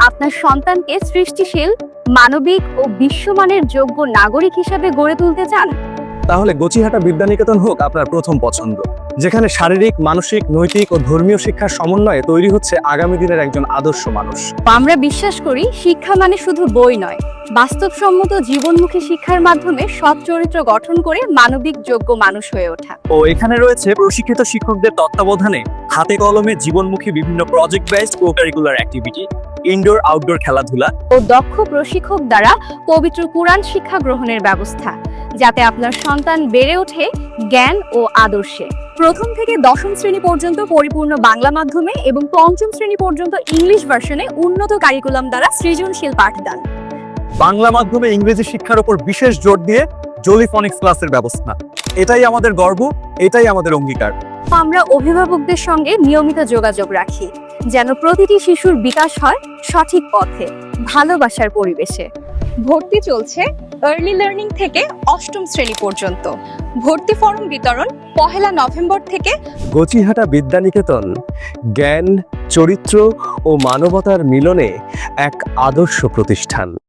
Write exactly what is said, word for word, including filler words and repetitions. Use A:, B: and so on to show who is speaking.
A: আপনার সন্তানকে সৃষ্টিশীল, মানবিক ও বিশ্বমানের যোগ্য নাগরিক হিসেবে গড়ে তুলতে চান?
B: তাহলে গচিহাটা বিদ্যানিকেতন হোক আপনার প্রথম পছন্দ, যেখানে শারীরিক, মানসিক, নৈতিক ও ধর্মীয় শিক্ষার সমন্বয়ে তৈরি হচ্ছে আগামী দিনের একজন আদর্শ মানুষ।
A: আমরা বিশ্বাস করি শিক্ষা মানে শুধু বই নয়, বাস্তবসম্মত জীবনমুখী শিক্ষার মাধ্যমে সৎ চরিত্র গঠন করে মানবিক যোগ্য মানুষ হয়ে ওঠা।
B: ও এখানে রয়েছে প্রশিক্ষিত শিক্ষকদের তত্ত্বাবধানে হাতে কলমে জীবনমুখী বিভিন্ন project based co curricular activity, indoor outdoor খেলাধুলা
A: ও দক্ষ প্রশিক্ষক দ্বারা পবিত্র কুরআন শিক্ষা গ্রহণের ব্যবস্থা, যাতে আপনার সন্তান বেড়ে ওঠে জ্ঞান ও আদর্শে। প্রথম থেকে দশম শ্রেণী পর্যন্ত পরিপূর্ণ বাংলা মাধ্যমে এবং পঞ্চম শ্রেণী পর্যন্ত ইংলিশ ভার্সনে উন্নত কারিকুলাম দ্বারা সৃজনশীল পাঠদান।
B: বাংলা মাধ্যমে ইংরেজি শিক্ষার উপর বিশেষ জোর দিয়ে জোলিফনিক্স ক্লাসের ব্যবস্থা। এটাই আমাদের গর্ব, এটাই আমাদের অঙ্গীকার।
A: আমরা অভিভাবকদের সঙ্গে নিয়মিত যোগাযোগ রাখি, যেন প্রতিটি শিশুর বিকাশ হয় সঠিক পথে, ভালোবাসার পরিবেশে। ভর্তি চলছে আর্লি লার্নিং থেকে অষ্টম শ্রেণী পর্যন্ত। ভর্তি ফর্ম বিতরণ পহেলা নভেম্বর থেকে।
B: গচিহাটা বিদ্যানিকেতন জ্ঞান, চরিত্র ও মানবতার মিলনে এক আদর্শ প্রতিষ্ঠান।